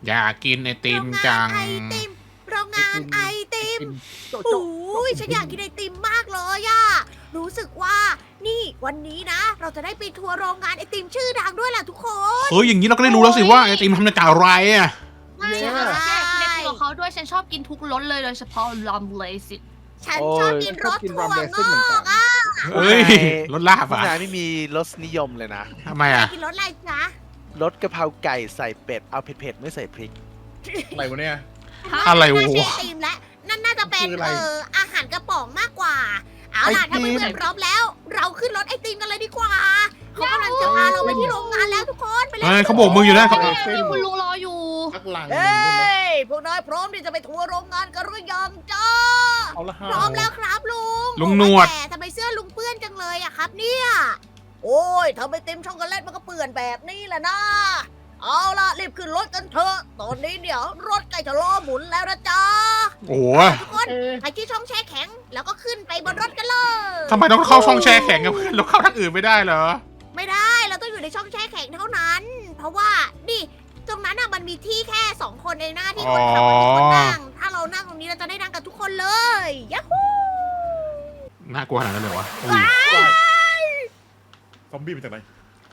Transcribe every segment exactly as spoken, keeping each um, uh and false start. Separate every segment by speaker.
Speaker 1: อยากกินไอติมจัง
Speaker 2: โรงงานไอติมโรงงานไอติม
Speaker 3: โจ๊ะ
Speaker 2: โอ
Speaker 3: โจ๊ะ
Speaker 2: ้ยฉันอยากกินไอติมมากเลยอะรู้สึกว่านี่วันนี้นะ เราจะได้ไปทัวร์โรงงานไอติมชื่อดังด้วยแหละทุกคน
Speaker 1: เฮ้ยอย่างนี้เราก็ได้รู้แล้วสิว่าไอติมทำมาจากอะไรอ่ะ
Speaker 4: ไม่ค่ะแกกินไอติมของเขาด้วยฉันชอบกินทุกรสเลยโดยเฉพาะลอมเลสิ
Speaker 2: ฉันชอบกินรสถั่วงอกอะ
Speaker 1: เฮ้ยรสลาบ
Speaker 3: พวก
Speaker 1: อ่ะ
Speaker 3: นายไม่มีรสนิยมเลยนะ
Speaker 1: ทำไมอ่ะ
Speaker 2: กินรสอะไรจ๊ะ
Speaker 3: รสกะเพราไก่ใส่เป็ด เอาเผ็ดๆไม่ใส่พริก
Speaker 5: อะไรวะเนี่ย
Speaker 1: อะไร
Speaker 2: น่าใช่
Speaker 1: วะ
Speaker 2: ไอติมและนั่นน่าจะเป็น
Speaker 5: คืออะไร
Speaker 2: เอ่ออาหารกระป๋องมากกว่าเอาล่ะ
Speaker 3: ไอติ
Speaker 2: ถ้าม เพื่อนๆพร้อมแล้ว เราขึ้นรถไอติมกันเลยดีกว่าเขากำลังจะพาเราไปที่โรงงานแล้วทุกคนไปเล
Speaker 1: เฮ้ย
Speaker 2: ย
Speaker 1: เขาโบกมืออยู่นะเขา
Speaker 4: นี่คุณลุงรออยู่
Speaker 5: พักหลังห
Speaker 2: เฮ
Speaker 5: นึ่งใช่ไหม้
Speaker 2: ยพวกนายพร้อมที่จะไปทัวร์โรงงานกันหรือยังจ้า
Speaker 5: เอาละฮะ
Speaker 2: พร้อมแล้วครับลุง
Speaker 1: ลุงหนวด
Speaker 2: แต่ทำไมเสื้อลุงเปื้อนจังเลยอะครับเนี่ย โอ้ยทำไมเต็มช็อกโกแลตมันก็เปื้อนแบบนี้แหละนะ เอาล่ะรีบขึ้นรถกันเถอะ ตอนนี้เดี๋ยวรถใกล้จะล้อหมุนแล้วนะจ๊ะ
Speaker 1: โอ้โห
Speaker 2: ทุกคน
Speaker 5: เอ๊ะ
Speaker 2: ไปที่ช่องแช่แข็ง แล้วก็ขึ้นไปบนรถกันเลย
Speaker 1: ทำไมต้องเข้าช่องแช่แข็งกับเพื่อนเราเข้าทางอื่นไม่ได้เหรอ
Speaker 2: ไม่ได้เราต้องอยู่ในช่องแช่แข็งเท่านั้น เพราะว่านี่ตรงนั้นน่ะมันมีที่แค่สองคนเองนะที่คนขับกับที่คนนั่ง ถ้าเรานั่งตรงนี้เราจะได้นั่งกันทุกคนเลยยัฮู
Speaker 1: น่ากลัวขนาดนั้นเลยวะอุ้ย
Speaker 5: ซอมบี้มาจากไหน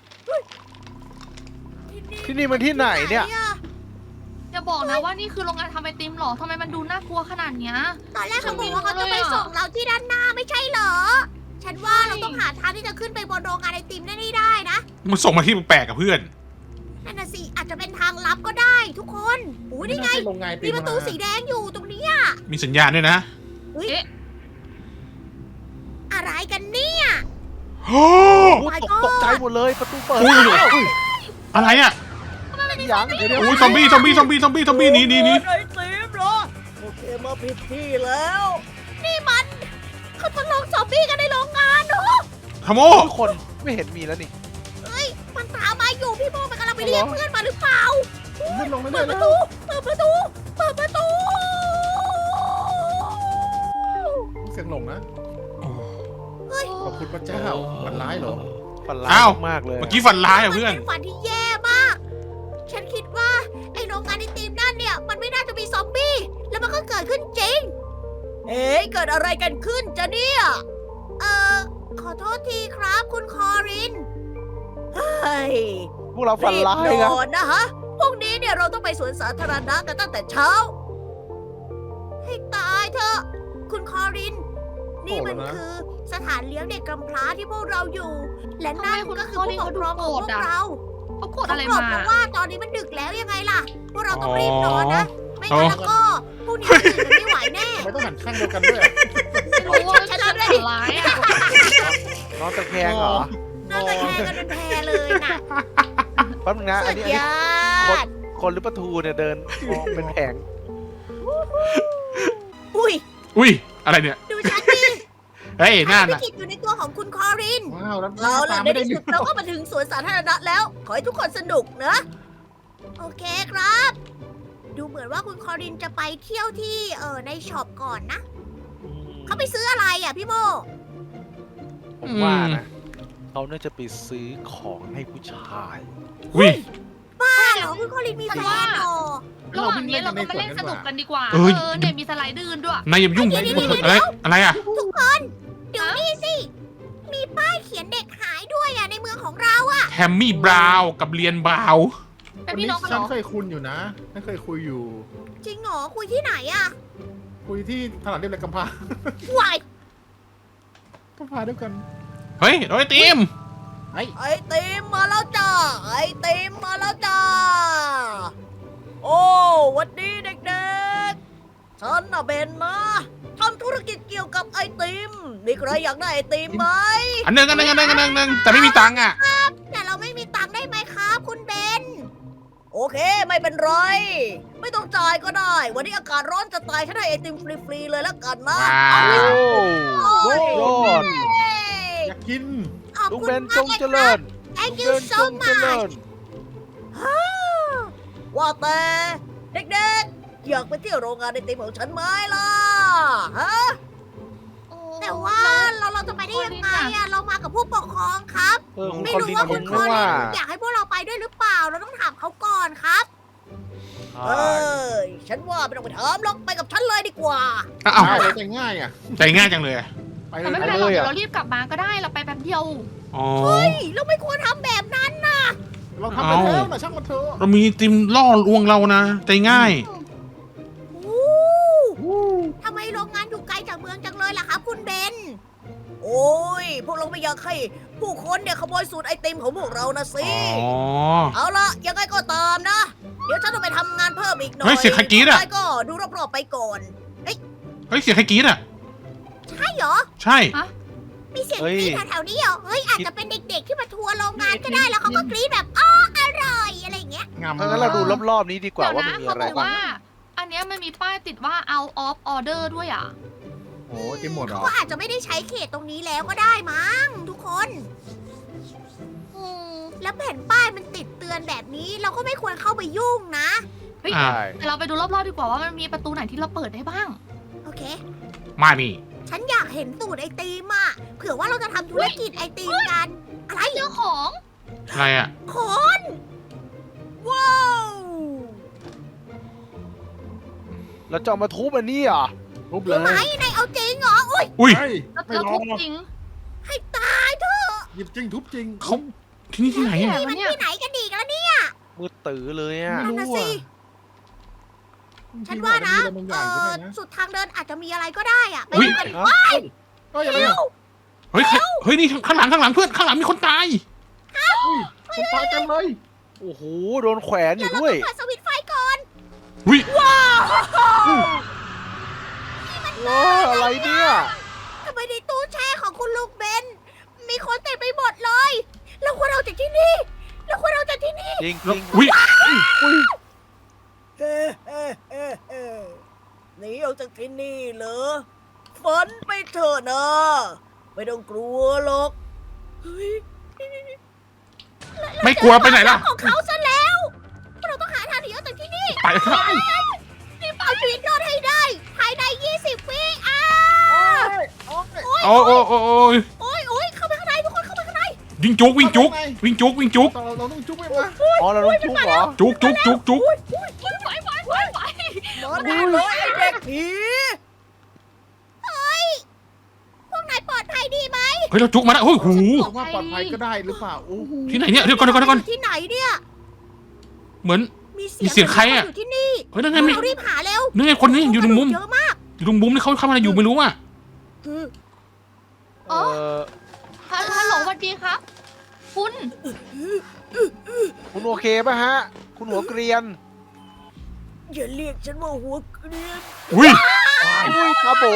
Speaker 3: ที่นี่มันที่ไหนเนี่ย
Speaker 4: อย่าบอกนะว่านี่คือโรงงานทำไอติมหรอทำไมมันดูน่ากลัวขนาดเนี้ย
Speaker 2: ตอนแรกเขาบอกว่าเขาจะไปส่งเราที่ด้านหน้าไม่ใช่เหรอ ฉันว่าเราต้องหาทางที่จะขึ้นไปบนโรงงานไอติมได้ได้นะ
Speaker 1: มันส่งมาที่แปลกกับเพื่อน
Speaker 2: นั่นน่ะสิอาจจะเป็นทางลับก็ได้ทุกคนอู้นี่ไง
Speaker 5: ม่ใช่โรงงานไอติ
Speaker 2: มีประตูสีแดงอยู่ตรงนี้อะ
Speaker 1: มีสัญญาณด้วยนะ
Speaker 2: อุ๊ย
Speaker 4: เอ๊ะ
Speaker 2: อะไรกันเนี่ย
Speaker 1: โอ้
Speaker 3: โอ้ตกตกใจหมดเลยประตูเปิด
Speaker 1: อุ้ย
Speaker 3: อ้าว
Speaker 1: อะไรอ่ะ
Speaker 3: ยังเดี๋ยวเดี๋ยว
Speaker 1: อุ้ยซอมบี้ซอมบี้ซอมบี้ซอมบี้ซอมบี้หนีหนีหนี
Speaker 2: ไอติมเหรอโอเคมาผิดที่แล้ว นี่มันเขาทดลองซอมบี้กันในโรงงานเหรอ
Speaker 1: ทโม
Speaker 3: ทุกคนไม่เห็นมีแล้วนี่
Speaker 2: เฮ้ยมันตามมาอยู่พี่โมมันกำลังไปเรียกเพื่อนมาหรือเปล่า
Speaker 5: ไม่ลงไม่
Speaker 2: เปิ
Speaker 5: ได้
Speaker 2: ดป
Speaker 5: แล้
Speaker 2: ระ
Speaker 5: ว
Speaker 2: ตูเปิดประตูเปิดประตู
Speaker 5: เสียงหลงนะ
Speaker 2: เฮ้ย
Speaker 5: ขอบคุณพระเจ้ามันร้ายเหรอ
Speaker 3: ฝันร้า
Speaker 1: อ้าวย
Speaker 3: มากเลย
Speaker 1: เมื่อกี้ฝันร้ายอ่ะเพื่อน
Speaker 2: มันเป็นฝันที่แย่มาก ฉันคิดว่าไอ้โรงงานไอติมนั่นเนี่ยมันไม่น่าจะมีซอมบี้ แล้วมันก็เกิดขึ้นจริง เอ๊ะเกิดอะไรกันขึ้นจ๊ะเนี่ย เอ่อ ขอโทษทีครับคุณคอริน เฮ้ย
Speaker 3: พวกเราฝัน
Speaker 2: รีบ
Speaker 3: ร้าย
Speaker 2: น
Speaker 3: นะ
Speaker 2: อนนะฮะ พรุ่งนี้เนี่ยเราต้องไปสวนสาธารณะกันตั้งแต่เช้า ให้ตายเถอะ คุณคอริน นี่มันคือสถานเลี้ยงเด็กกำพร้าที่พวกเราอยู่ และนั่นก็คือผู้ปกครองของพวกเรา
Speaker 4: เขากดอะไร
Speaker 2: เขา
Speaker 4: มา
Speaker 2: บกเพราะว่าตอนนี้มันดึกแล้วยังไงล่ะ พวกเราต้องรีบนอนนะ ไม่
Speaker 1: อ๋อ
Speaker 2: งั้นแล้วก็พรุ่งนี้ตื่นกันไม่ไหวแน่
Speaker 5: ทำไมต้องหันข้างเดียวกันด้วย
Speaker 4: ไม่รู้ว่าฉันฝันร้ายอ่ะ
Speaker 3: นอนตะแคงเหรอ
Speaker 2: น่าจะแค่กันเป็นแพรเลยน่ะ
Speaker 3: แป๊บนึงนะ
Speaker 2: สุ
Speaker 3: อัน
Speaker 2: ด
Speaker 3: นี้อันนี้
Speaker 2: ยอด
Speaker 3: คนหรือปลาทูเนี่ยเดินมองเป็นแผง
Speaker 2: อุ้ย
Speaker 1: อุ้ยอะไรเนี่ย
Speaker 2: ดูฉันดิ
Speaker 1: เฮ้ยนั่น
Speaker 2: พิ
Speaker 1: อ่ะ
Speaker 2: กิจอยู่ในตัวของคุณคอริน
Speaker 5: ว้าวแล้ว
Speaker 2: เอาล่ะใน
Speaker 5: ไม่ได้
Speaker 2: ที่สุดเราก็มาถึงสวนสาธารณะแล้ว ขอให้ทุกคนสนุกนะ โอเคครับ ดูเหมือนว่าคุณคอรินจะไปเที่ยวที่เออในช็อปก่อนนะ เขาไปซื้ออะไรอ่ะพี่โม
Speaker 3: ผมว่านะเขาน่าจะไปซื้อของให้ผู้ชาย
Speaker 1: อุ้ย
Speaker 2: บ้าเหรอคุณคอรินมีแฟนเหรอ
Speaker 4: ระหว่างนี้เราก็มาเล่นสนุกกันดีกว่า
Speaker 1: เอ
Speaker 4: เอ
Speaker 1: อ
Speaker 4: อเนี่ยมีสไลด์ดืนด้วย
Speaker 1: นายอย่ายุ่ง
Speaker 2: เดี๋ยวเดี๋ยวเดี๋ยว
Speaker 1: อะไรอะไรอ่ะ
Speaker 2: ทุกคน เดี๋ยวนี่สิ มีป้ายเขียนเด็กหายด้วยอ่ะในเมืองของเราอ่ะ
Speaker 1: แฮมมี่บราวน์กับเรียนบราวน์
Speaker 4: เป็น
Speaker 5: วัน
Speaker 4: พี่
Speaker 5: นี้
Speaker 4: น้องกันเห
Speaker 5: ฉั
Speaker 4: ร
Speaker 5: น
Speaker 4: อ
Speaker 5: เคยคุยอยู่นะฉันเคยคุยอยู่
Speaker 2: จริงเหรอคุยที่ไหนอ่ะ
Speaker 5: คุยที่ตลาดเรียบเลยกำพร้าว
Speaker 2: าย
Speaker 5: กำพร้าด้วยกัน
Speaker 1: เฮ้ยโดยทีม
Speaker 5: ไอ้
Speaker 2: ไอติมมาแล้วจ้า ไอติมมาแล้วจ้า โอ้หวันดีเด็กๆ ฉันน่ะเบนนะทำธุรกิจเกี่ยวกับไอติม มีใครอยากได้ไอติมไหม
Speaker 1: อันหนึ่งอันหนึ่งอันหนึ่งอันหนึ่งอันหนึ่งแต่ไม่มีตังค์อ่ะ
Speaker 2: แต่เราไม่มีตังค์ได้ไหมครับคุณเบน โอเคไม่เป็นไร ไม่ต้องจ่ายก็ได้ วันนี้อากาศร้อนจะตายฉันให้ไอติมฟรีๆเลยแล้วกันนะ
Speaker 1: ว้าว
Speaker 3: โอ้ยอด
Speaker 2: เย้
Speaker 5: อยากกิน
Speaker 2: ขอบ
Speaker 3: ลุง
Speaker 2: คุณ
Speaker 3: เบน
Speaker 2: มา
Speaker 3: จ
Speaker 2: ก
Speaker 3: ง
Speaker 2: เลย
Speaker 3: เจ
Speaker 2: ค
Speaker 3: ริ
Speaker 2: รับ
Speaker 3: ญ
Speaker 2: Thank
Speaker 3: ลุ
Speaker 2: you
Speaker 3: งเบน
Speaker 2: so
Speaker 3: จงเจริ
Speaker 2: much
Speaker 3: ญ
Speaker 2: ฮ่าว่าแต่เด็กๆ อยากไปเที่ยวโรงงานไอติมของฉันไหมล่ะฮะ แต่ว่าเราเราจะไปได้ยังไงอะเรามากับผู้ปกครองครับ
Speaker 3: เออคุณ
Speaker 2: ไม่
Speaker 3: คอน
Speaker 2: รู้
Speaker 3: ดิน
Speaker 2: ว่า
Speaker 3: ผ
Speaker 2: คุ
Speaker 3: ม
Speaker 2: ณคอ
Speaker 3: ว่า
Speaker 2: รินอยากให้พวกเราไปด้วยหรือเปล่า เราต้องถามเขาก่อนครับเอ้ยฉันว่าไม่ต้องไปถามหรอกไปกับฉันเลยดีกว่า
Speaker 1: อ้าว
Speaker 5: ง่ายเลยแต่ง่ายอ่ะ
Speaker 1: ใจง่ายจังเลยอะ
Speaker 5: ไป
Speaker 4: แต่
Speaker 5: เล
Speaker 4: ไม่
Speaker 5: ย
Speaker 4: เป็นไรหรอกเดี๋ยวเรารีบกลับมาก็ได้เราไปแป๊บเดียว
Speaker 1: อ๋อ
Speaker 2: เฮ้ยเราไม่ควรทำแบบนั้นนะ
Speaker 5: เราทำไปแล้วนะช่างมันเถอะ
Speaker 1: เรามีติมล่อลวงเรานะ ใจง่าย
Speaker 2: อู้ทำไมโรงงานอยู่ไกลจากเมืองจังเลยล่ะครับคุณเบน โอ้ย พวกเราไม่อยากให้ผู้คนเนี่ยขโมยสูตรไอติมของพวกเรานะสิ
Speaker 1: อ๋อ
Speaker 2: เอาละยังไงก็ตามนะ เดี๋ยวฉันต้องไปทำงานเพิ่มอีกหน่อย
Speaker 1: เฮ้ยเสียงใครกรี๊ดอะ
Speaker 2: นายก็ดูรอบๆไปก่อน
Speaker 1: เฮ้ยเสียงใครกรี๊ดอ่ะ
Speaker 2: ใช่เหรอ
Speaker 1: ใช่
Speaker 2: มีเสียง
Speaker 3: เฮ้
Speaker 2: ก
Speaker 3: ย
Speaker 2: รี๊ดแถวๆนี้เหรอ เฮ้ยอาจจะเป็นเด็กๆที่มาทัวร์โรงงานก็ได้แล้วเขาก็กรี๊ดแบบอ้ออร่อยอะไรอย่างเงี้ย
Speaker 5: งาม
Speaker 3: ถ้างั้นเราดูรอบๆนี้ดีกว่า
Speaker 4: เดี๋ยว
Speaker 3: ว่า
Speaker 4: นะ
Speaker 3: มันมี
Speaker 4: เขา
Speaker 3: อะไร
Speaker 4: บอก
Speaker 3: บ้าง
Speaker 4: ว่า อันเนี้ยมันมีป้ายติดว่า out of order ด้วยอ่ะ
Speaker 5: โอ้ยเต็มหมดเหรอ
Speaker 2: ก็อาจจะไม่ได้ใช้เขตตรงนี้แล้วก็ได้มั้งทุกคน
Speaker 4: อืม
Speaker 2: แล้วแผ่นป้ายมันติดเตือนแบบนี้เราก็ไม่ควรเข้าไปยุ่งนะ
Speaker 4: เฮ้ย
Speaker 1: อ่า
Speaker 3: ใช่
Speaker 4: แต่เราไปดูรอบๆดีกว่าว่ามันมีประตูไหนที่เราเปิดได้บ้าง
Speaker 2: โอเค
Speaker 1: มานี่
Speaker 2: ฉันอยากเห็นสูตรไอติมอะเผื่อว่าเราจะทำธุรกิจไอติมกัน อะไร
Speaker 4: เจ้าของ
Speaker 1: อะไรอ่ะ
Speaker 2: คนว้าว
Speaker 3: เราจะเอามาทุบอันนี้เหรอ
Speaker 5: ทุบเล
Speaker 2: รู้ไหม
Speaker 5: ย
Speaker 2: นายเอาจริงเหรออุ้ย
Speaker 1: อุ้ย
Speaker 5: เฮ้ย
Speaker 4: แล้ว
Speaker 5: ไม่
Speaker 4: เรา
Speaker 5: ล
Speaker 4: ทุ
Speaker 5: อบ งหรอก
Speaker 4: จริง
Speaker 2: ให้ตายเถอะ
Speaker 5: หยิบจริงทุบจริง
Speaker 1: เขาที่นี่ที่ไหน
Speaker 4: ที่ไหน
Speaker 1: อ่ะ
Speaker 2: นี่มันที่ไหนกันดีกันแล้วเนี่ย
Speaker 3: มืดตื้อเลยอ่ะ
Speaker 2: นั่นน่ะสิ ฉันว่านะเออสุดทางเดินอาจจะมีอะไรก็ได้อะไปดูกันดีกว่า
Speaker 5: ก็ยังไง
Speaker 2: เร็ว
Speaker 1: เฮ้ยใครเฮ้ยนี่ข้างหลังข้างหลังเพื่อนข้างหลังมีคนตาย
Speaker 5: คนตายกันเลย
Speaker 3: โอ้โหโดนแขวนอ
Speaker 2: เดี๋ยว
Speaker 3: ยู่
Speaker 2: เรา
Speaker 3: ด้วย
Speaker 2: ต้องเปิดสวิตช์ไฟก่อน
Speaker 1: อุ้ย
Speaker 2: ว้าว
Speaker 3: ว้าอะไรเนี่ย
Speaker 2: ทำไมในตู้แช่ของคุณลูกเบน มีคนเต็มไปหมดเลยเราควรเอาจากที่นี่เราควรเอาจากที่นี่
Speaker 3: จริงจริง
Speaker 1: อุ้ย
Speaker 3: อุ้ย
Speaker 2: เฮ้เฮ้เฮ้เฮ้หนีออกจากที่นี่เหรอฝันไปเถอะนะ ไม่ต้องกลัวหรอกเฮ้ย
Speaker 1: ไม่กลัวไปไหนล่ะ
Speaker 2: ของเขาซะแล้ว เราต้องหาทางหนีออกจากที่นี่
Speaker 1: ไปครับ
Speaker 2: รีบเอาชีวิตรอดให้ได้ ภายใน ยี่สิบ วิอ้า
Speaker 5: โอ้ยโอ้ย
Speaker 1: โอ้โอ้โอ้โอ้ย
Speaker 2: โอ้ยโอ้ยเข้าไปข้างในทุกคนเข้าไปข้างใน
Speaker 1: วิ่งจุกวิ่งจุกวิ่งจุกวิ่งจุก
Speaker 5: เราเราต้องจุ๊บไปมา
Speaker 3: อ๋อเราต้องทุบเหรอ
Speaker 1: จุกจุกจุกจุก
Speaker 4: ไหวไหวไหวไหว
Speaker 2: รอได้เลยไอ้เด็กผีเฮ้ย พวกนายปลอดภัยดีไหม
Speaker 1: เฮ้ยเราจุกมาแล้วโอ้โห
Speaker 5: ว่าปลอดภัยก็ได้หรือเปล่าโอ้โห
Speaker 1: ที่ไหนเนี่ยเดี๋ยวก่อนเดี๋ยวก่อนเดี๋ยวก่อน
Speaker 2: ที่ไหนเนี่ย
Speaker 1: เหมือน
Speaker 2: มีเสี
Speaker 1: มีเสียงใครอะ
Speaker 2: อยู่ที่นี่
Speaker 1: เฮ้ยนั่นไงมี
Speaker 2: เรารีบหาเร็ว
Speaker 1: นั่นไงคนนี้อยู่ตรงมุม
Speaker 2: เยอะมาก
Speaker 1: อยู่ตรงมุมนี่เขาเข้ามาอยู่ไม่รู้อ่ะ
Speaker 2: คือ
Speaker 3: เออ
Speaker 4: ฮัลฮัลโหลสวัสดีครับ คุณ
Speaker 3: คุณโอเคป่ะฮะ คุณหัวเกรียน
Speaker 2: อย่าเรียกฉันว่าหัวเกรียน
Speaker 1: อุ้ย
Speaker 3: อุ้ยคาโบ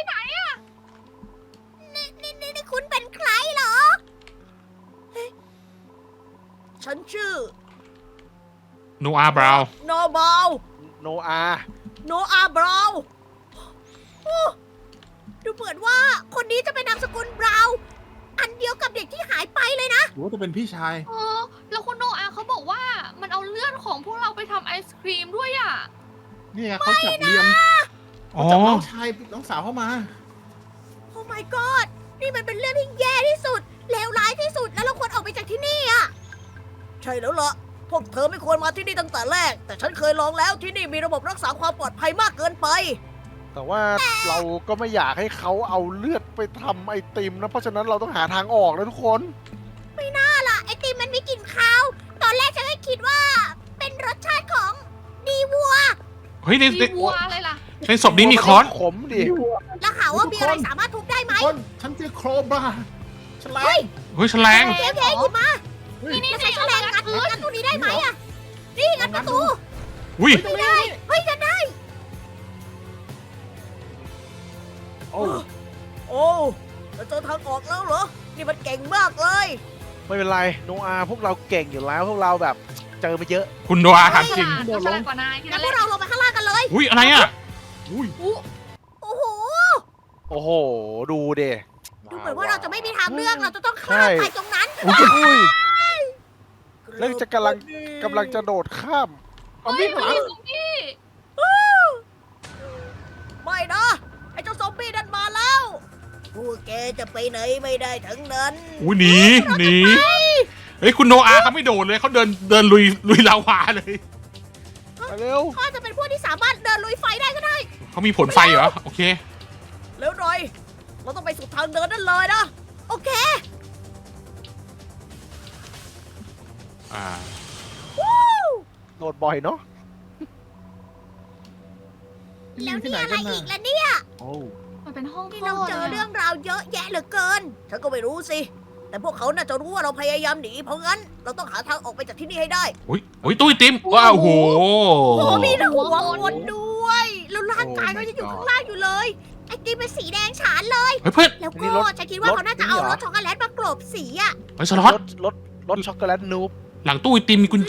Speaker 2: นี่นี่นี่นี่คุณเป็นใครเหรอเฮ้ยฉันชื่อ
Speaker 1: โนอาบราว
Speaker 2: โนบาล
Speaker 3: โนอา
Speaker 2: โนอาบราวน์โอ้ดูเหมือนว่าคนนี้จะเป็นนามสกุลบราวน์อันเดียวกับเด็กที่หายไปเลยนะ
Speaker 5: หรือว่าจะเป็นพี่ชาย
Speaker 4: เออ แล้วคุณโนอาเขาบอกว่ามันเอาเลือดของพวกเราไปทำไอศครีมด้วยอ่ะ
Speaker 5: นี่ไงเขาจับเรียม
Speaker 1: อ๋อ
Speaker 5: เขาจับน้องชายน้องสาวเข้ามา
Speaker 2: โอ้ my god นี่มันเป็นเรื่องที่แย่ที่สุด เลวร้ายที่สุด แล้วเราควรออกไปจากที่นี่อ่ะ ใช่แล้วล่ะ พวกเธอไม่ควรมาที่นี่ตั้งแต่แรก แต่ฉันเคยลองแล้วที่นี่มีระบบรักษาความปลอดภัยมากเกินไป
Speaker 3: แต่ว่าเราก็ไม่อยากให้เขาเอาเลือดไปทำไอติมนะ เพราะฉะนั้นเราต้องหาทางออกนะทุกคน
Speaker 2: ไม่น่าล่ะ ไอติมมันมีกลิ่นคาว ตอนแรกฉันก็คิดว่า เป็นรสชาติของดีวัว
Speaker 1: เฮ้ยใน
Speaker 4: มี
Speaker 1: ใน
Speaker 4: วัวอะไรล่ะ
Speaker 1: ในศพนี้มีค้อน
Speaker 3: ขมดิ
Speaker 2: แล้วหาว่ามีอะไรสามารถทุบได้ไหม
Speaker 5: คนฉันเจอโครบราฉลา
Speaker 2: เฮ้
Speaker 5: ม
Speaker 2: ย
Speaker 1: เฮ้ยแฉลง
Speaker 2: โอเคโอเคหยิบมา
Speaker 5: เฮ้ย
Speaker 4: นี่นี่
Speaker 2: จะใช้
Speaker 4: นี่
Speaker 2: แฉ
Speaker 4: เอา
Speaker 2: ล
Speaker 4: มาง งั
Speaker 2: งั
Speaker 4: ด
Speaker 2: ด
Speaker 4: พื้น
Speaker 2: งัดตัวนี้ได้ไหมอะนี่งัดประตู
Speaker 1: อุ้ย
Speaker 2: ไม่ได้ เฮ้ยงัดได้
Speaker 5: โอ้
Speaker 2: โอ้เราเจอทางออกแล้วเหรอ นี่มันเก่งมากเลย
Speaker 3: ไม่เป็นไร โนอาพวกเราเก่งอยู่แล้ว พวกเราแบบเจอมาเยอะ
Speaker 1: คุณโนอาถามจริง
Speaker 4: ฉลาดกว่านายแค่
Speaker 2: งั้
Speaker 4: นั้น น
Speaker 2: พ
Speaker 4: แห
Speaker 2: ว
Speaker 4: ละ
Speaker 2: กเราลงไปข้างล่างกันเลย
Speaker 1: อุ้ยอะไรอ่ะ
Speaker 5: อุ้ย
Speaker 4: อุ๊
Speaker 2: โอ้โห
Speaker 3: โอ้โห ดูเด
Speaker 2: ดูเหมือนว่าเราจะไม่มีทางเลือก เราจะต้องข้าม
Speaker 3: ใช่
Speaker 2: ไปตรงนั้น
Speaker 3: อุ้ย แล้วจะกำลังกำลังจะโดดข้าม
Speaker 5: เอามีดข้างหลัง
Speaker 4: ซอมบี้
Speaker 2: ไม่นะ ไอ้เจ้าซอมบี้นั่นมาแล้ว พวกแกจะไปไหนไม่ได้ทั้งนั้น
Speaker 1: อุ้ยหนีหนีเฮ้ยคุณโนอาเขาไม่โดดเลยเขาเดินเดินลุยลุยลาวาเลย
Speaker 3: ไปเร็ว
Speaker 2: เขาอาจจะเป็นพวกที่สามารถเดินลุยไฟได้ก็ได้
Speaker 1: เขามีผลไฟเหรอ โอเค
Speaker 2: แล้วหน่อย เราต้องไปสุดทางเดินนั่นเลยนะ โอเค
Speaker 1: อ่า
Speaker 2: วู้
Speaker 3: โดดบ่อยเนาะ
Speaker 2: แล้ว
Speaker 5: ที่
Speaker 2: นี่
Speaker 5: ไหน
Speaker 2: อะไร
Speaker 5: กัน
Speaker 2: อี
Speaker 5: น่ะ
Speaker 2: กล่ะเนี่ย
Speaker 5: โอ้
Speaker 4: มันเป็นห้อง
Speaker 2: นี่
Speaker 4: คล
Speaker 2: เรา
Speaker 4: อด
Speaker 2: เจอ
Speaker 4: เลย
Speaker 2: เรื่อ
Speaker 4: อะ
Speaker 2: งราวเยอะแยะเหลือเกิน ฉันก็ไม่รู้สิ แต่พวกเขาน่าจะรู้ว่าเราพยายามหนี เพราะงั้นเราต้องหาทางออกไปจากที่นี่ให้ได้
Speaker 1: อุ้ยอุ้ยตู้ไอติมว้าวโอ้โห
Speaker 2: โอ้มีหัวคนด้วย แล้วร่างกายก็ยังอยู่ข้างล่างอยู่เลย ไอติมเป็นสีแดงฉานเลย
Speaker 1: เฮ้ยเพื่อน
Speaker 2: แล้วก็ฉันคิดว่าเขาน่าจะเอารถช็อกโกแลตมากลบสีอะ
Speaker 1: เฮ้ยสล็อต
Speaker 3: รถรถรถช็อกโกแลตนูบ
Speaker 1: หลังตู้ไอติมมีกุญแจ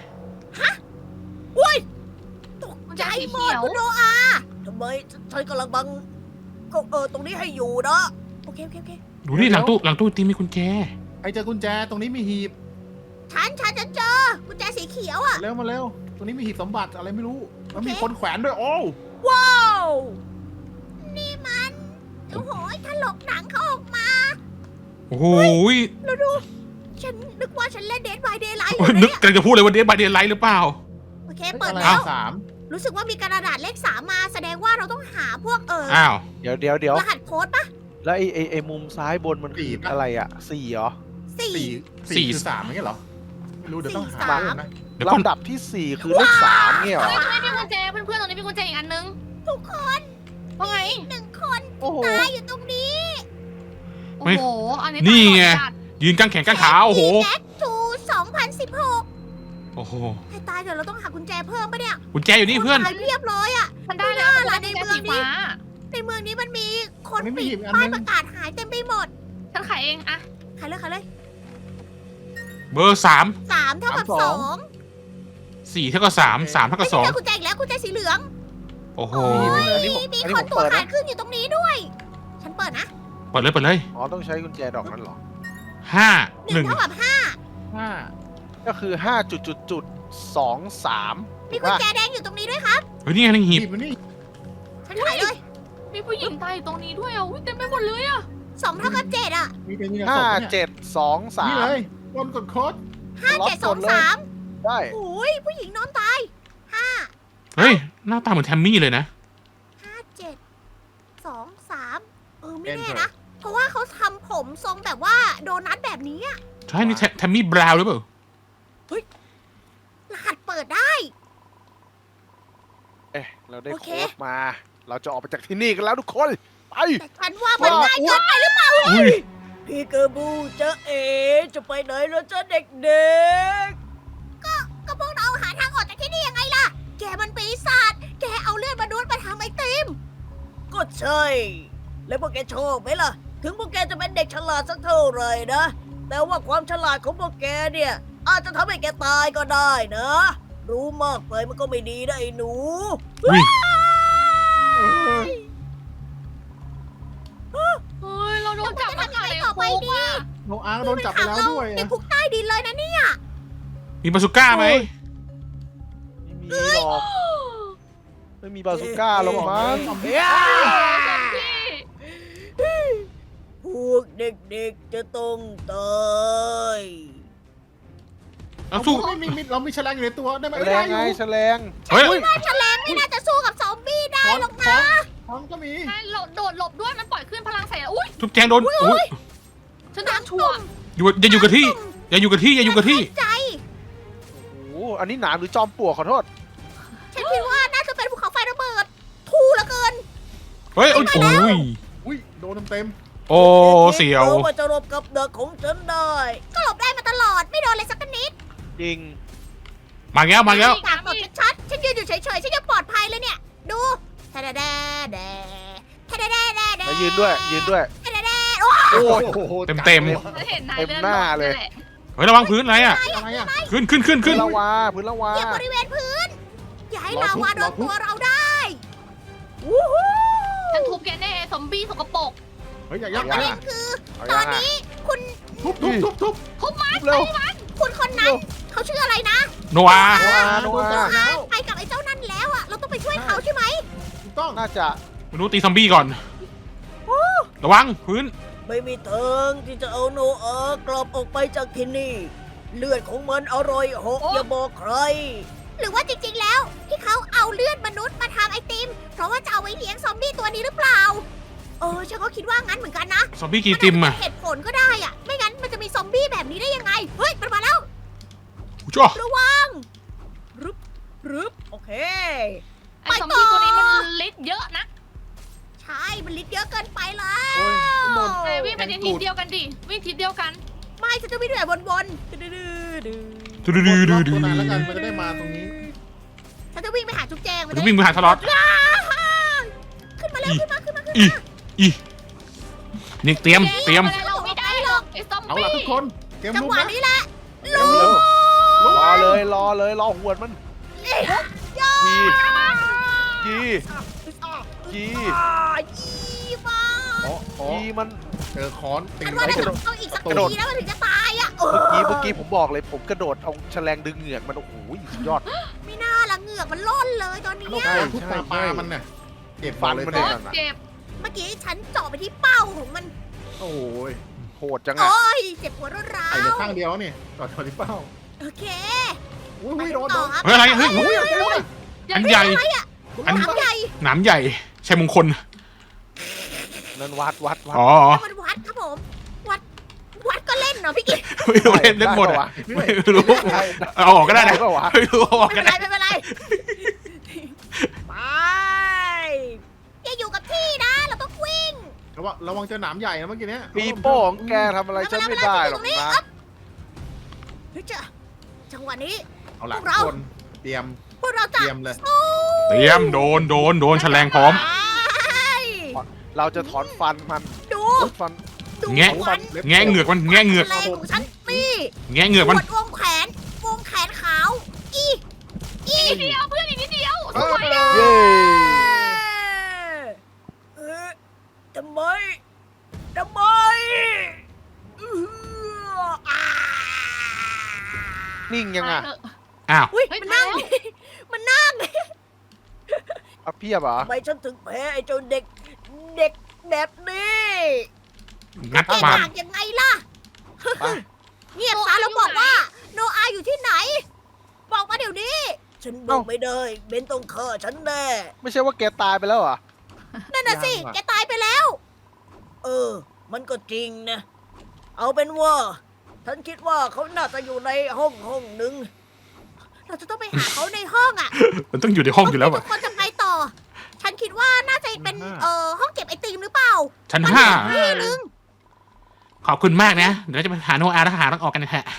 Speaker 2: อุ้ยตก
Speaker 4: มัน
Speaker 2: ใจ
Speaker 4: จะสี
Speaker 2: หม
Speaker 4: เขี
Speaker 2: ด
Speaker 4: ยว
Speaker 2: คุณโนอาทำไมฉันกำลังบังก็เออตรงนี้ให้อยู่นะ โอเคโอเคโอเค
Speaker 1: ดูนี่หลังตู้หลังตู้ไอติมมีกุญแจ
Speaker 5: ไอเจอกุญแจตรงนี้มีหีบ
Speaker 2: ฉันฉันจะเจอกุญแจสีเขียวอะ
Speaker 5: เร็วมาเร็ว ตรงนี้มีหีบสมบัติอะไรไม่รู้ แล้วมีคนแขวนด้วย โอ้
Speaker 2: ว้าว นี่มัน โอ้โหถลกหนังเขาออกมา
Speaker 1: โอ้โห
Speaker 2: แล้วดู ฉันนึกว่าฉันเล่นเดทบายเดย์ไลท์อ
Speaker 1: โอ้ย
Speaker 2: ยู่
Speaker 1: นึก
Speaker 2: เนี่ย
Speaker 1: กำลังจะพูดเลยว่าเดนบายเดนไลท์หรือเปล่า
Speaker 2: โอเค
Speaker 5: เฮ้ย
Speaker 2: เปิด
Speaker 5: อะไร
Speaker 2: แล้ว
Speaker 5: สาม
Speaker 2: รู้สึกว่ามีกระดาษเลขสามมา แสดงว่าเราต้องหาพวกเออ
Speaker 1: อ้าว
Speaker 3: เดี๋ยวเดี๋ยวเดี๋ยว
Speaker 2: รหัสโค้ดปะ
Speaker 3: แล้วไอ้ไอ้ไอ้มุมซ้ายบนมันคืออะไรอ่ะสี่เหรอ
Speaker 2: สี่
Speaker 5: สี่
Speaker 1: สี่
Speaker 5: สี่คือสามไม่ใช่เหรอ ไม่รู้เดี๋ยวต้องหา
Speaker 2: สี่สาม
Speaker 5: เพิ่มนะ
Speaker 1: เดี๋ยวก่อน
Speaker 3: ลำดับที่สี่คือเลขสามเนี่ยเหรอ
Speaker 4: เฮ้ยตรงนี้มีกุญแจเพื่อนๆตรงนี้มีกุญแจอีกอันนึง
Speaker 2: ทุกคน
Speaker 4: ว่าไง
Speaker 2: หนึ่งคน
Speaker 3: โอ้โห
Speaker 2: ตายอยู่ตรงนี้
Speaker 4: โอ้โห อันนี้
Speaker 1: นี่ไง
Speaker 4: ตายหมดจัด
Speaker 1: ยืนกางแขนกางขาโอ้โห
Speaker 2: แบ็คทูสองพันสิบหก
Speaker 1: โอ้โห
Speaker 2: ให้ตายเดี๋ยวเราต้องหากุญแจเพิ่มปะเนี่ย
Speaker 1: กุญแจอยู่นี่เพื่อน
Speaker 2: ตายเรียบร้อยอะ
Speaker 4: มันได้แล้ว
Speaker 2: ไม่น่าล่ะ
Speaker 4: มันได้
Speaker 2: ใน
Speaker 4: กุญ
Speaker 2: เมื
Speaker 4: แจ
Speaker 2: องนี้
Speaker 4: สีฟ้า
Speaker 2: ในเมืองนี้มันมีคน
Speaker 5: ไม่มี
Speaker 2: ปิ
Speaker 5: หี
Speaker 2: ด
Speaker 5: บอัน
Speaker 2: ป้าย
Speaker 5: นึง
Speaker 2: ประกาศหายเต็มไปหมด
Speaker 4: ฉันขายเองอะ
Speaker 2: ใครเลยใครเลย
Speaker 1: เบอร์สาม
Speaker 2: สามเท่ากับสอง
Speaker 1: สี่เท่ากับสามสามเท่ากับสอง
Speaker 2: ไม่ใช่กุญแจอีกแล้วกุญแจสีเหลือง
Speaker 1: โอ้โห
Speaker 3: อันนี้ผม
Speaker 2: มี
Speaker 3: อันนี้
Speaker 2: ค
Speaker 3: ผ
Speaker 2: น
Speaker 3: ม
Speaker 2: ตัว
Speaker 3: เปิด
Speaker 2: ขา
Speaker 3: นะ
Speaker 2: ดขึ้นอยู่ตรงนี้ด้วย ฉันเปิดนะ
Speaker 1: เปิดเลยเปิดเลย
Speaker 3: อ๋อต้องใช้กุญแจดอกนั้นเหรอ
Speaker 1: ห้า
Speaker 2: ห
Speaker 1: ห
Speaker 2: นึ่
Speaker 1: นึ่
Speaker 2: ง
Speaker 1: ง
Speaker 2: เท่ากับห้า
Speaker 5: ห้า
Speaker 3: ก็คือห้าจุดจุดจุดสองสาม
Speaker 2: มีกุญแจแดงอยู่ตรงนี้ด้วยครับ
Speaker 1: เฮ้ยนี่ไงนี่หีบ
Speaker 5: หีบมันนี่
Speaker 2: ฉันขายเลย
Speaker 4: มีผู้หญิงตายอยู่ตรงนี้ด้วยอ่ะอุ๊ยเต็มไปหมดเลยอ่ะ
Speaker 2: สองเท่ากับเจ็ดอ่ะ
Speaker 5: มีเป็นมีแต่ศ
Speaker 3: ห้า
Speaker 5: พเนี่ย
Speaker 3: เจ็ดสองสา
Speaker 5: นี่
Speaker 3: ม
Speaker 5: เลยคนกดโค้ด
Speaker 2: ห้าเจ็ดสองสาม
Speaker 3: ได้
Speaker 2: โอ้ยผู้หญิงนอนตายห้า
Speaker 1: เฮ้ยหน้าตาเหมือนแทมมี่เลยนะ
Speaker 2: ห้าเจ็ดสองสามเออไม่แน่นะ เพราะว่าเขาทำผมทรงแบบว่าโดนัทแบบนี้อะ
Speaker 1: ใช่นี่แทแทมมี่บราวน์หรือเปล่าร
Speaker 2: หัสเปิดได้
Speaker 3: เอ๊ะเราได้
Speaker 2: โอเค
Speaker 3: โค้ดมา เราจะออกไปจากที่นี่กันแล้วทุกคน ไป
Speaker 2: แต่ฉันว่ามันง่ายเกินไปหรือเปล่า
Speaker 1: อุ้ย
Speaker 2: พี่เกอร์บูจะเอ๋จะไปไหนแล้วจ้าเด็กๆ ก็ก็พวกเราหาทางออกจากที่นี่ยังไงล่ะ แกมันปีศาจ แกเอาเลือดมนุษย์มาทำไอติม ก็ใช่ แล้วพวกแกชอบไหมล่ะ ถึงพวกแกจะเป็นเด็กฉลาดสักเท่าไหร่นะ แต่ว่าความฉลาดของพวกแกเนี่ย อาจจะทำให้แกตายก็ได้นะ รู้มากไปมันก็ไม่ดีนะไอ้หนู
Speaker 1: อุ้ย
Speaker 4: เฮ้ย เราโดนจับมาขายในคุกอ่ะ
Speaker 5: โนอาร์โดนจับไปแล้วด้วย
Speaker 2: ใน
Speaker 5: อะ
Speaker 2: คุกใต้ดินเลยนะเนี่ย
Speaker 1: มีบาซูก้าไหม
Speaker 3: ไม่มีหรอก ไม่มีบาซูก้าหรอกมั้ง
Speaker 4: ซอมบี้
Speaker 2: พวกเด็กๆจะต้องตาย
Speaker 1: เอาสู้
Speaker 5: ไม่มีมีเรามีแฉลงอยู่ในตัวได้ไหม
Speaker 3: แฉ
Speaker 5: ไม่
Speaker 3: ล
Speaker 5: ได้
Speaker 3: ง
Speaker 5: อ
Speaker 3: ไง
Speaker 5: ยู่
Speaker 3: แฉลง
Speaker 1: เฮ้ย
Speaker 2: ว่าแฉลงไม่น่าจะสู้กับซอมบี้ได้
Speaker 5: ท้อง
Speaker 2: หรอก
Speaker 5: ท้
Speaker 2: นะ
Speaker 5: องท้องก็มี
Speaker 4: ใช่เราโดดหลบด้วย มันปล่อยขึ้นพลังใส่แล้วอุ้ย
Speaker 1: ทุบแจงโดนอุ้ย
Speaker 4: ฉันโดนชัวร์
Speaker 1: อยู่อย่าอยู่กับที่ อย่าอยู่กับที่อย่าอยู่กับที่
Speaker 2: ใจ
Speaker 3: โอ้โห อันนี้หนามหรือจอมปลวกขอโทษ
Speaker 2: ฉันคิดว่าน่าจะเป็นภูเขาไฟระเบิด ทูเหลือเกิน
Speaker 1: เฮ้ยโอ้ยโอ้ย
Speaker 5: อุ้ยโดนเต็ม
Speaker 1: โอ้เสียว
Speaker 2: คิดว่าจะหลบกับเด็กของฉันได้ ก็หลบได้มาตลอดไม่โดนเลยสักนิด
Speaker 3: จริง
Speaker 1: มาแล้วมาแล้ว
Speaker 2: ตากกดชัดๆฉันยืนอยู่เฉยๆฉันยังปลอดภัยเลยเนี่ย ดูแทะแดะแดะแดะแทะแดะแดะแดะแดะ
Speaker 3: แล้วยืนด้วย ยืนด้วย
Speaker 2: แทะแดะแดะโอ้ย
Speaker 3: โอ้ย
Speaker 5: โอ้โห
Speaker 1: เต็มเต็ม
Speaker 4: ฉันเห็นนาย
Speaker 3: เต็ม
Speaker 4: เลื่อน
Speaker 3: หน้า
Speaker 4: ลง
Speaker 3: เลย
Speaker 4: นั่นแหละ
Speaker 1: เฮ้ยระวังพื้นอะไรอ่ะ
Speaker 5: อะไรอ่ะ
Speaker 1: ขึ้นขึ้นขึ้น
Speaker 3: พื้
Speaker 1: ขึ้
Speaker 3: น
Speaker 1: น
Speaker 3: ลาวา พื้นลาวา
Speaker 2: เหยียบบริเวณพื้น อย่าให้
Speaker 5: รอ
Speaker 2: ลา
Speaker 5: ทุบ
Speaker 2: วาโด
Speaker 5: รอน ทุบ
Speaker 2: ตัวเราได้วู้ฮู้
Speaker 4: ฉันทุบแกแน่ซอมบี้สกปรก
Speaker 5: เฮ้ยอย่ายัก
Speaker 3: เ
Speaker 2: ประเด็นคือ
Speaker 3: เอา
Speaker 2: ต
Speaker 3: ยั
Speaker 2: อน
Speaker 3: งอ่ะ
Speaker 2: นี้คุณ
Speaker 5: ทุบทุบทุบทุบ
Speaker 4: ทุบมัน
Speaker 3: เร็ว
Speaker 2: คุณคนนั้นเขาชื่ออะไรนะ
Speaker 1: โนอา
Speaker 3: โนอาโน
Speaker 5: โดน
Speaker 3: อา
Speaker 5: จับแล้ว
Speaker 2: ไปกับไอ้เจ้านั่นแล้วอะเราต้องไปช่วยเขาใช่ไหม
Speaker 5: ถูกต้อง
Speaker 3: น่าจะ
Speaker 1: มนุษย์ตีซอมบี้ก่อน ระวังพื้น
Speaker 2: ไม่มีทางที่จะเอาโนอากลับออกไปจากที่นี่ เลือดของมันอร่อยหกอย่าบอกใครหรือว่าจริงๆแล้วที่เขาเอาเลือดมนุษย์มาทำไอติม เพราะว่าจะเอาไว้เลี้ยงซอมบี้ตัวนี้หรือเปล่า เออฉันก็คิดว่างั้นเหมือนกันนะ
Speaker 1: ซอมบี้กีติมอ่ะ
Speaker 2: นอาจจะเป็นเหตุผลก็ได้อะไม่งั้นมันจะมีซอมบี้แบบนี้ได้ยังไง เฮ้ยมันมาแล้ว
Speaker 1: จ้า
Speaker 2: ระวังรึบรึบโอเค
Speaker 4: ไอ้ซอมบี้ตัวนี้มันฤทธิ์เยอะนะ
Speaker 2: ใช่มันลิดเยอะเกินไปแล้
Speaker 3: โอ้ยว หมด
Speaker 4: เอ้ยวิ่งไปในทิศเดียวกันดิวิ่งทิศเดียวกัน
Speaker 2: ไม่ฉันจะวิ่งแบบวนๆดื้อๆดื้อ
Speaker 1: ดูดูดูดูดู
Speaker 5: ตัวนานแล้วกันมันจะได้มาตรงนี้
Speaker 2: ๆฉันจะวิ่งไปหาจุ๊บแจง
Speaker 1: จะวิ่งไปหาสล็อต
Speaker 2: อ้าขึ้นมาเร็วขึ้นมาขึ้นมาขึ้น
Speaker 1: อี
Speaker 2: มา
Speaker 1: อีนี่เตรียมเตรียม
Speaker 4: อะไรเราไม่ได้หรอกไอ้ซอม
Speaker 5: เอา
Speaker 4: บี้
Speaker 5: ล่ะทุกคนเตรียม
Speaker 2: จัง
Speaker 5: ลุก
Speaker 2: หวะ
Speaker 5: นะ
Speaker 2: นี้แหละ
Speaker 3: เร็วเร็วรอเลยรอเลยรอหวดมัน
Speaker 2: ย่า
Speaker 3: ยียียี
Speaker 2: อ่ายีมา
Speaker 5: อ๋ออ๋อ
Speaker 3: ยีมัน
Speaker 5: เจอค้อนตี
Speaker 2: ฉันว่า
Speaker 3: ไม่
Speaker 2: น่าก
Speaker 3: ระโด
Speaker 2: จะ
Speaker 3: ด
Speaker 2: ต้องอีกสัก
Speaker 3: กระโดด
Speaker 2: ทีแล้วมันถึงจะตายอ่ะเอ
Speaker 3: เมื่อกี้
Speaker 2: อ
Speaker 3: เมื่อกี้ผมบอกเลยผมกระโดดเอาแฉลงดึงเหงือกมันโอ้โหสุดยอด
Speaker 2: ไม่น่าละเหงือกมันล่นเลยตอนนี้
Speaker 5: ลูก
Speaker 3: ใช่
Speaker 5: ทุกตาปลามันเนี่ยเจ็บ
Speaker 3: ฟัน
Speaker 5: เลย
Speaker 3: มัน
Speaker 4: โค
Speaker 3: เนี่ย
Speaker 4: ตรเจ็บ
Speaker 2: เมื่อกี้ฉันเจาะไปที่เป้าของมัน
Speaker 5: โอ้ย
Speaker 3: โหดจังอะ
Speaker 2: โอ้ยเจ็บหัวรวดร้า
Speaker 5: ไอ้เหลือ
Speaker 2: ว
Speaker 5: ข้างเดียวนี่ต่อต่อที่เป้า
Speaker 2: โอเค
Speaker 5: อุ้ย
Speaker 2: ไป
Speaker 5: อุ้ย
Speaker 2: กั
Speaker 5: โด
Speaker 2: น
Speaker 5: น
Speaker 2: ต่
Speaker 5: โด
Speaker 2: อน ครับ
Speaker 1: เฮ้ยอะไรเฮ้ย
Speaker 5: อุ้ยเอาใจไว้
Speaker 1: อันใหญ่
Speaker 2: อะไรอ่ะ
Speaker 1: อัน
Speaker 2: น้ำใหญ่
Speaker 1: หนามใหญ่ใช่มงคล
Speaker 3: นั่นวัดวัดวัด
Speaker 1: อ๋อ
Speaker 2: แล้วมันวัดครับผม วัด วัดก็เล่นเนาะพี่กิ๊ก
Speaker 1: ไม่รู้เล่นเล่นหมด
Speaker 3: ไปะ
Speaker 1: อ่ะ
Speaker 3: วะ
Speaker 1: ไม่รู้
Speaker 3: ได้
Speaker 1: เอาออกก็ได้นะ
Speaker 3: ปะวะ
Speaker 1: ไม่รู้เอาออก
Speaker 2: ไม่
Speaker 1: ก็
Speaker 2: เป็นไร
Speaker 1: ได้
Speaker 2: ไม่เป็นไร ไปอย่าอยู่กับที่นะ เราต้องวิ่ง
Speaker 5: ระวังระวังเจอหนามใหญ่นะเมื่อกี้เนี้ย
Speaker 3: ปีโป้ของแกทำอะไรฉันไม่ได้หรอกนะ
Speaker 2: เฮ้ยเจ้าจังหวะนี้
Speaker 5: เอาล่ะ
Speaker 2: พวก
Speaker 5: ทุ
Speaker 2: เรา
Speaker 5: กคนเตรียม
Speaker 2: พวกเรา
Speaker 5: เต
Speaker 2: จะ
Speaker 5: รียมเลย
Speaker 2: สู้
Speaker 1: เตรียมโดนโดนโดนแฉลงพร้อม
Speaker 2: ไป
Speaker 3: เราจะถอนฟันมัน
Speaker 2: ดู
Speaker 3: ฟัน
Speaker 2: ดู
Speaker 1: แงะ
Speaker 2: ฟัน
Speaker 1: แงะเหงือกมันแงะเหงือก
Speaker 2: แรงของฉันนี่
Speaker 1: แงะเหงือกมัน
Speaker 2: ปวดวงแขน วงแขนขาว อีอี
Speaker 4: นิดเดียวเพื่อนอีกนิดเดียว
Speaker 5: เอ
Speaker 4: ส
Speaker 5: อ
Speaker 4: วย
Speaker 3: เย้
Speaker 2: เออทำไมทำไมอื้ออ่า
Speaker 3: นิ่งยังอ่ะ
Speaker 4: เออ
Speaker 1: อ้าว
Speaker 2: อุ้ย
Speaker 4: เฮ้ย
Speaker 2: มันนั่ง
Speaker 4: มาแล้ว
Speaker 2: มันนั่ง
Speaker 3: เอาเพียบเหรอ
Speaker 2: ทำไมฉันถึงแพ้ไอ้เจ้าเด็ก เด็กแบบนี้
Speaker 1: งัด
Speaker 2: เก่ง
Speaker 1: ปาก
Speaker 2: ต่างยังไงล่ะ
Speaker 3: ไป
Speaker 2: เงียบซะแล้วบอกว่า โนอาอยู่ที่ไหน บอกมาเดี๋ยวนี้ ฉันบอกไม่ได้เบนต้องฆ่าฉันแน่
Speaker 3: ไม่ใช่ว่าแกตายไปแล้วเหรอ
Speaker 2: นั่นน่ะสิ
Speaker 3: ยังอะ
Speaker 2: แกตายไปแล้ว เออ มันก็จริงนะ เอาเป็นว่า ฉันคิดว่าเขาน่าจะอยู่ในห้องห้องหนึ่ง เราจะต้องไปหาเขาในห้องอ่ะ
Speaker 1: มันต้องอยู่ในห้องอยู่แล้ว
Speaker 2: ทุ
Speaker 1: อ่ะ
Speaker 2: กคนจะไปต่อ ฉันคิดว่าน่าจะเป็น เอ่อ ห้องเก็บไอติมหรือเปล่า
Speaker 1: ชั้นห้า
Speaker 2: ที่นึง
Speaker 1: ขอบคุณมากนะ เดี๋ยวจะไปหาโนอาแล้วหาทางออกกันนะฮะ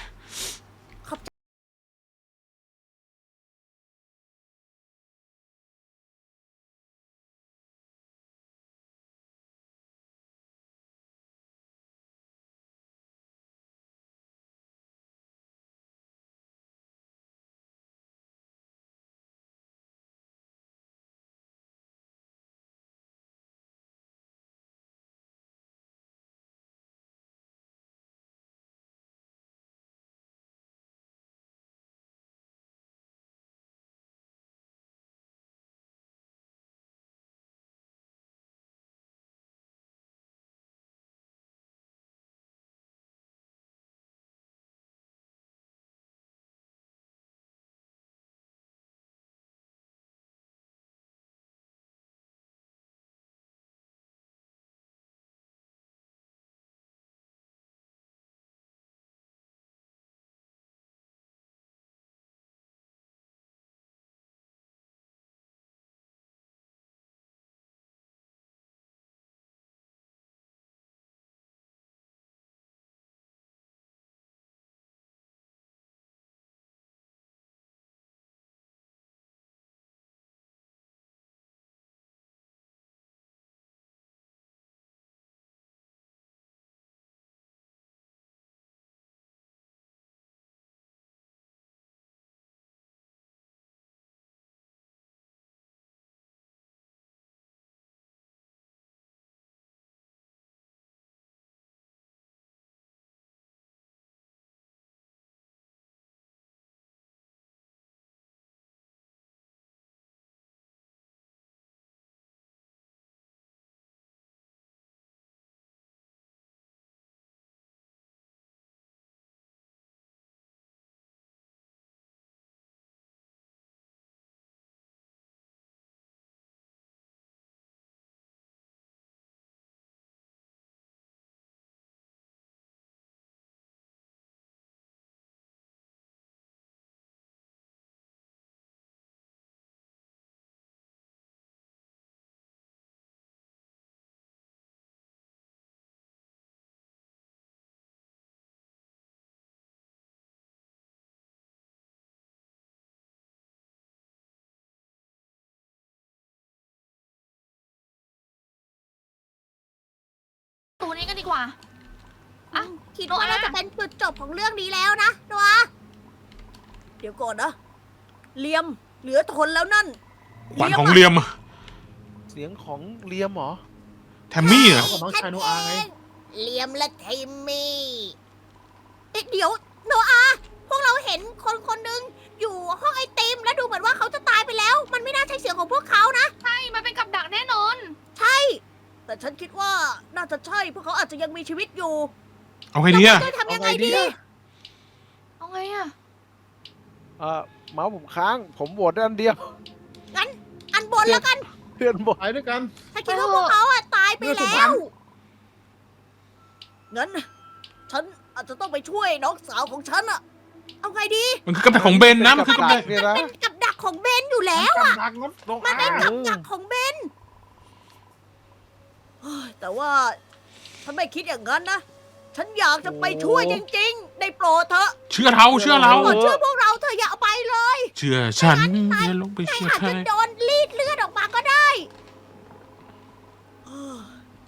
Speaker 4: กว่า อ่ะ
Speaker 2: คิด
Speaker 4: โน
Speaker 2: ว่า
Speaker 4: อา
Speaker 2: น่าจะเป็นจุดจบของเรื่องนี้แล้วนะโนอาเดี๋ยวก่อนนะเลียมเหลือทนแล้วนั่น
Speaker 1: ขวัญของเลียม
Speaker 3: เสียงของเลียมเหรอ
Speaker 1: แทมมี่เหรอ
Speaker 5: เขากับน้องชายโนอาไง
Speaker 2: เลียมและทิมมี่เอ๊ะเดี๋ยวโนอาพวกเราเห็นคนคนหนึ่งอยู่ห้องไอติมและดูเหมือนว่าเขาจะตายไปแล้ว มันไม่น่าใช่เสียงของพวกเขานะ
Speaker 4: ใช่ มันเป็นกับดักแน่นอน
Speaker 2: ใช่ แต่ฉันคิดว่าน่าจะใช่พวกเขาอาจจะยังมีชีวิตอยู่
Speaker 1: เอาไงดีอะ
Speaker 2: เราจะทำยังไงดี
Speaker 4: เอาไงอะ
Speaker 3: เออเมาส์ผมค้าง ผมโหวตได้อันเดียว
Speaker 2: งั้นอันบนแล้วกัน
Speaker 3: เพื่อนบอก
Speaker 5: ไปด้วยกัน
Speaker 2: ฉันคิดว่าพวกเขาอะตายไป
Speaker 5: เลือดสุ
Speaker 2: แล้
Speaker 5: พรรณ
Speaker 2: ว งั้น ฉันอาจจะต้องไปช่วยน้องสาวของฉันอะเอาไงดี
Speaker 1: มันคือกำแพงของเบนนะมันคือกำแพง
Speaker 3: เนี่ยนะ
Speaker 2: เป็นกับดักของเบนอยู่แล้ว
Speaker 5: กำลังงดโน
Speaker 2: มัน
Speaker 5: อา
Speaker 2: เป็นกับดักของเบนเฮ้ยแต่ว่า ฉันไม่คิดอย่างนั้นนะ ฉันอยากจะไปช่วยจริงๆ ได้โปรดเถอะ
Speaker 1: เชื่อเราเชื่อเรา
Speaker 2: โปรดเชื่อพวกเราเธอะอย่าเอาไปเลย
Speaker 1: เชื่อฉันอย่าลงไป
Speaker 2: ใคร
Speaker 1: เชื่อ
Speaker 2: อาจ
Speaker 1: ใคร
Speaker 2: จะโดนรีดเลือดออกมาก็ได้เฮ้ย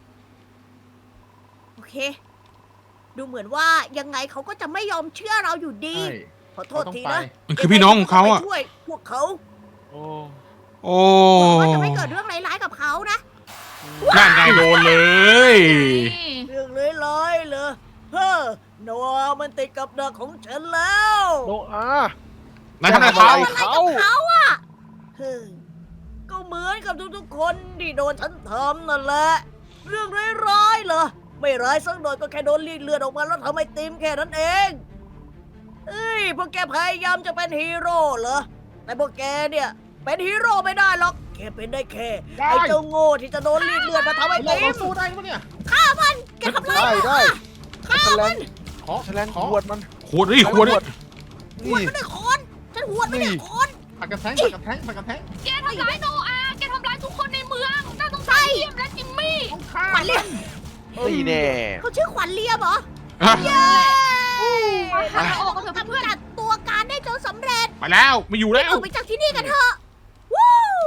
Speaker 2: โอเค ดูเหมือนว่ายังไงเขาก็จะไม่ยอมเชื่อเราอยู่ดี
Speaker 5: ใช่
Speaker 2: ขอโท
Speaker 5: เขา
Speaker 2: ษ
Speaker 5: ต้อง
Speaker 2: ที
Speaker 5: ไป
Speaker 2: นะ
Speaker 1: มันคือพี่น้องของเขาอะ
Speaker 2: ไปช่วยพวกเขา
Speaker 3: โอ้
Speaker 1: โอ้
Speaker 2: หวังว่าจะไม่เกิดเรื่องร้ายๆกับเขานะ
Speaker 1: นั่นไงโดนเลย
Speaker 4: นี่
Speaker 2: เรื่องร้ายๆเลยเฮ้อโนอามันติดกับดักของฉันแล้ว
Speaker 3: โนอา
Speaker 1: นายทำอะไรเขา
Speaker 3: อะไร
Speaker 2: อะไรกับเขาอะเฮ้ยก็เหมือนกับทุกๆคนที่โดนฉันทำนั่นแหละ เรื่องร้ายๆเหรอ ไม่ร้ายสักหน่อยก็แค่โดนรีดเลือดออกมาแล้วทำไมติมแค่นั้นเองเอ้ยพวกแกพยายามจะเป็นฮีโร่เหรอ แต่พวกแกเนี่ย เป็นฮีโร่ไม่ได้หรอก แค่เป็นได้แค่
Speaker 5: ได้
Speaker 2: ไอ้เจ้าโง่ที่จะโดนรีดเลือดมาทำให้
Speaker 5: เรา
Speaker 2: ติ
Speaker 5: เรา
Speaker 2: ม
Speaker 5: สู้ได้ปะเนี่ย
Speaker 2: ฆ่ามัน แกทำไร
Speaker 3: ได้ได้
Speaker 2: ฆ่า
Speaker 3: แฉล
Speaker 2: มั
Speaker 3: ง
Speaker 2: น
Speaker 5: ขอ
Speaker 3: แฉลง
Speaker 5: ขอ
Speaker 3: ขวดมัน
Speaker 1: ขวดดิขวดดิ
Speaker 2: หวด
Speaker 3: นี่
Speaker 2: ไม่ได้คอนฉันหวดไม่ได้คอน
Speaker 5: ผักกระแทงผักกระแทงผักกระแทง
Speaker 4: แกทำร้ายโนอาแกทำร้ายทุกคนในเมืองน่าสงสารเลียมและจิมมี่
Speaker 5: ต้องฆ่า
Speaker 2: ขวัญเลียม
Speaker 3: นี่แน่
Speaker 2: เขาชื่อขวัญเลียมเหรอ
Speaker 1: อ่ะ
Speaker 2: เย้
Speaker 4: หาออกกันเถอะเพื่อน
Speaker 2: กำจัดตัวการได้จนสำเร็จ
Speaker 1: ไปแล้วไม่อยู่แล้ว
Speaker 2: ออกไปจากที่นี่กันเถอะวู้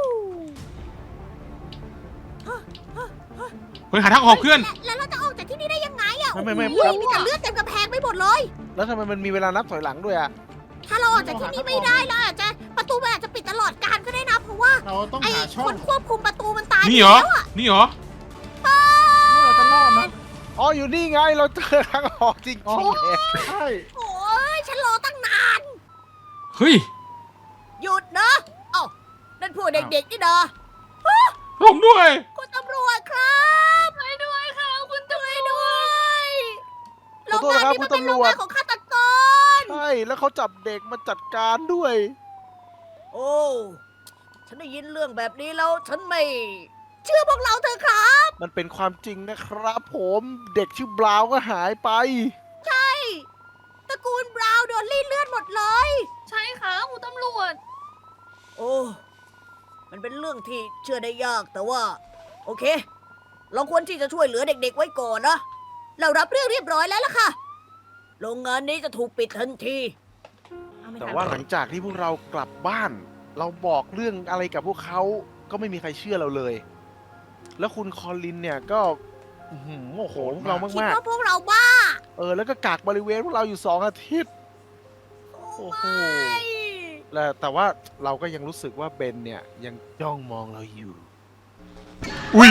Speaker 1: เฮ้ยหาทางออกเพื่อน
Speaker 2: และแล้วเราจะออกจากที่นี่ได้ยังไงอะ
Speaker 3: ไม่ไม่ไม่
Speaker 2: โอ้โหมีแต่เลือดเต็มกระแพงไปหมดเลย
Speaker 3: แล้วทำไมมันมีเวลานับถอยหลังด้วยอ่ะ
Speaker 2: ถ้าเราออกจากที่นี่ไม่ได้เราอาจจะประตูมันอาจจะปิดตลอดกาลก็ได้นะเพราะว่า
Speaker 5: เราต้อง
Speaker 2: ไอ้
Speaker 5: หาช่อ
Speaker 2: ค
Speaker 5: ง
Speaker 2: นควบคุมประตูมันตายไป
Speaker 1: นี่เหรอ
Speaker 2: แล้วอะ
Speaker 1: นี่เหรอ
Speaker 5: เราจะรอดนะ
Speaker 3: อ๋ออยู่นี่ไงเราเจอทางออกจริง
Speaker 5: อ๋อ
Speaker 3: ๆเนี่ย
Speaker 5: ใช่
Speaker 2: โอ้ยฉันรอตั้งนาน
Speaker 1: เฮ้ย
Speaker 2: หยุดนะเอ้านั่นพวกเด็กๆนี่นะ
Speaker 1: ผมด้วย
Speaker 2: คุณตำรวจครับ
Speaker 4: ช่วยด้วยค่ะคุณตำร
Speaker 2: ช่ว
Speaker 4: วย จ
Speaker 2: ด้วยโร
Speaker 3: ของ โทษ
Speaker 2: งาน
Speaker 3: นะครับ
Speaker 2: นี้
Speaker 3: คุ
Speaker 2: มั
Speaker 3: ณ
Speaker 2: นเป็นโร
Speaker 3: ตำรง วจ
Speaker 2: งานของฆาตกร
Speaker 3: ใช่แล้วเขาจับเด็กมาจัดการด้วย
Speaker 2: โอ้ ฉันได้ยินเรื่องแบบนี้แล้ว ฉันไม่ เชื่อพวกเราเถอะครับ
Speaker 3: มันเป็นความจริงนะครับผมเด็กชื่อบราวน์ก็หายไป
Speaker 2: ใช่ ตระกูลบราวน์โดนรีดเลือดหมดเลย
Speaker 4: ใช่ค่ะคุณตำรวจ
Speaker 2: โอ้ มันเป็นเรื่องที่เชื่อได้ยากแต่ว่า โอเค เราควรที่จะช่วยเหลือเด็กๆไว้ก่อนนะ เรารับเรื่องเรียบร้อยแล้วล่ะค่ะ โรงงานนี้จะถูกปิดทันทีเอไม่
Speaker 3: แต่
Speaker 2: ทัน
Speaker 3: ว่าหลังจากที่พวกเรากลับบ้าน เราบอกเรื่องอะไรกับพวกเขาก็ไม่มีใครเชื่อเราเลย แล้วคุณคอลินเนี่ยก็อื้อหือโอ้โหพวกเรา
Speaker 2: คิด
Speaker 3: มาก
Speaker 2: ว่าพวกเราบ้า
Speaker 3: ๆเออแล้วก็กักบริเวณพวกเราอยู่สองอาทิตย์ โอ้โห
Speaker 2: ไม่
Speaker 3: แล้วแต่ว่าเราก็ยังรู้สึกว่าเบนเนี่ยยังจ้องมองเราอยู่
Speaker 1: อุ้ย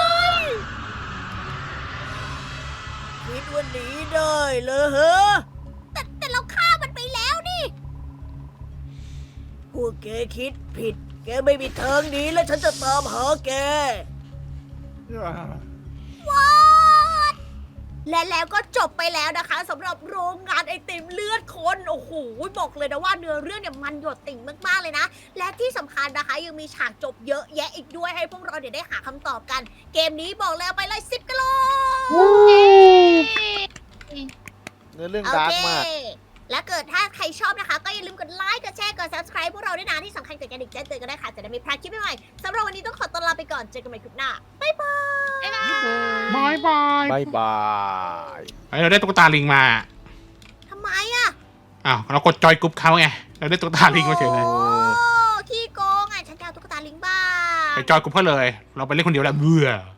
Speaker 2: คิดว่าหนีได้เลยเหรอแต่แต่เราฆ่ามันไปแล้วนี่ พวกแกคิดผิด แกไม่มีทางหนีและฉันจะตามหาแก ว้าวและแล้วก็จบไปแล้วนะคะสำหรับโรงงานไอติมเลือดคนโอ้โหบอกเลยนะว่าเนื้อเรื่องเนี่ยมันหยดติ่งมากๆเลยนะ และที่สำคัญนะคะยังมีฉากจบเยอะแยะอีกด้วยให้พวกเราเดี๋ยวได้หาคำตอบกัน เกมนี้บอกแล้วไปเลยสิบกิโล
Speaker 3: เนื้อเรื่อง
Speaker 2: โอ
Speaker 3: ดาร์ก
Speaker 2: เค
Speaker 3: มาก
Speaker 2: และเกิดถ้าใครชอบนะคะ ก็อย่าลืมกดไลค์ กดแชร์ กด ซับสไครบ์ พวกเราด้วยนะ ที่สำคัญกดกระดิ่งแจ้งเตือนกันได้ค่ะ จะได้ไม่พลาดคลิปใหม่ๆสำหรับวันนี้ต้องขอตัวลาไปก่อน เจอกันใหม่คลิปหน้า บ๊ายบาย
Speaker 1: บายบาย
Speaker 3: บายบาย
Speaker 1: เฮ้ยเราได้ตุ๊กตาลิงมา
Speaker 2: ทำไมอะ
Speaker 1: อ้าวเรากดจอยกรุ๊ปเขาไง เราได้ตุ๊กตาลิงมาเฉยเลย
Speaker 2: โอ้ขี้โกงอ่ะ ฉันจะเอาตุ๊กตาลิงบ้า
Speaker 1: ไปจอยกรุ๊ปเขาเลย เราไปเล่นคนเดียวแล้วเบื่อ